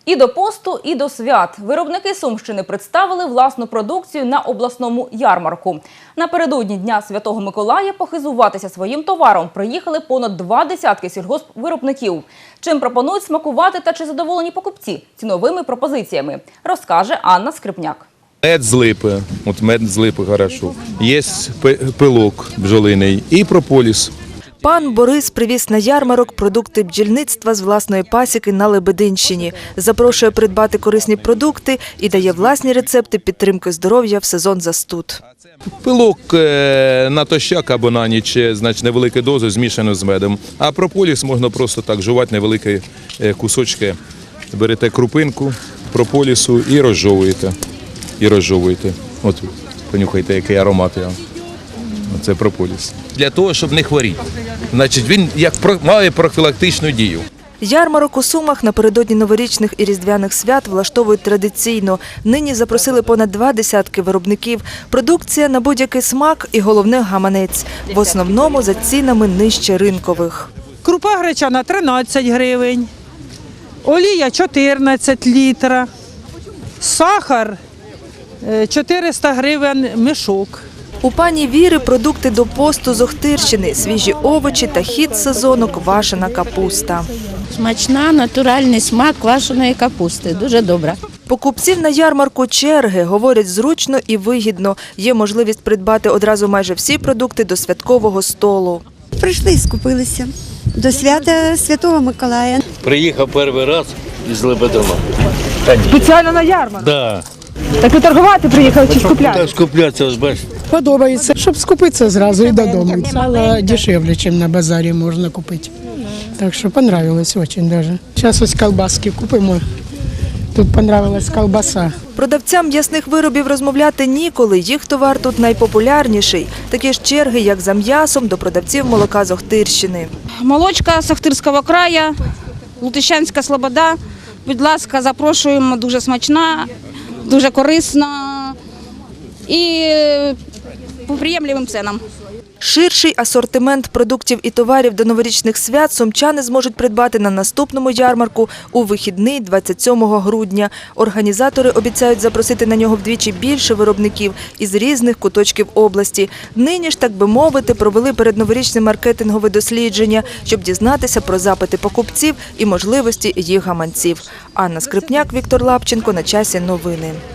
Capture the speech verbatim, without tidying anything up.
І до посту, і до свят. Виробники Сумщини представили власну продукцію на обласному ярмарку. Напередодні Дня Святого Миколая похизуватися своїм товаром приїхали понад два десятки сільгоспвиробників. Чим пропонують смакувати та чи задоволені покупці ціновими пропозиціями, розкаже Анна Скрипняк. Мед з липи, от мед з липи хорошо. Є пилок бджолиний і прополіс. Пан Борис привіз на ярмарок продукти бджільництва з власної пасіки на Лебединщині. Запрошує придбати корисні продукти і дає власні рецепти підтримки здоров'я в сезон застуд. Пилок натощак або на ніч, значить невеликі дози змішано з медом. А прополіс можна просто так жувати невеликі кусочки. Берете крупинку прополісу і розжовуєте. І розжовуєте. От понюхайте, який аромат. Це прополіс. Для того, щоб не хворіти. Значить, він як має профілактичну дію. Ярмарок у Сумах напередодні новорічних і різдвяних свят влаштовують традиційно. Нині запросили понад два десятки виробників. Продукція на будь-який смак і, головне, гаманець. В основному за цінами нижче ринкових. Крупа гречана – тринадцять гривень, олія – чотирнадцять літра, сахар – чотириста гривень мішок. У пані Віри продукти до посту з Охтирщини, свіжі овочі та хід сезону – квашена капуста. Смачна, натуральний смак квашеної капусти. Дуже добра. Покупців на ярмарку черги, говорять, зручно і вигідно. Є можливість придбати одразу майже всі продукти до святкового столу. Прийшли і скупилися до свята Святого Миколая. Приїхав перший раз із Лебедина. Спеціально на ярмарок? Да. Так ви торгувати приїхали чи скупляти? Так скуплятися, ось бачите. Подобається, щоб скупитися зразу і додому. Сало дешевле, ніж на базарі можна купити. Так що понравилось дуже даже. Зараз ось колбаски купимо. Тут понравилась колбаса. Продавцям м'ясних виробів розмовляти ніколи. Їх товар тут найпопулярніший. Такі ж черги, як за м'ясом, до продавців молока з Охтирщини. Молочка з Охтирського краю, Лутищанська Слобода. Будь ласка, запрошуємо, дуже смачна, дуже корисна і по приємливим цінам. Ширший асортимент продуктів і товарів до новорічних свят сумчани зможуть придбати на наступному ярмарку у вихідний двадцять сьомого грудня. Організатори обіцяють запросити на нього вдвічі більше виробників із різних куточків області. Нині ж, так би мовити, провели передноворічне маркетингове дослідження, щоб дізнатися про запити покупців і можливості їх гаманців. Анна Скрипняк, Віктор Лапченко. На часі новини.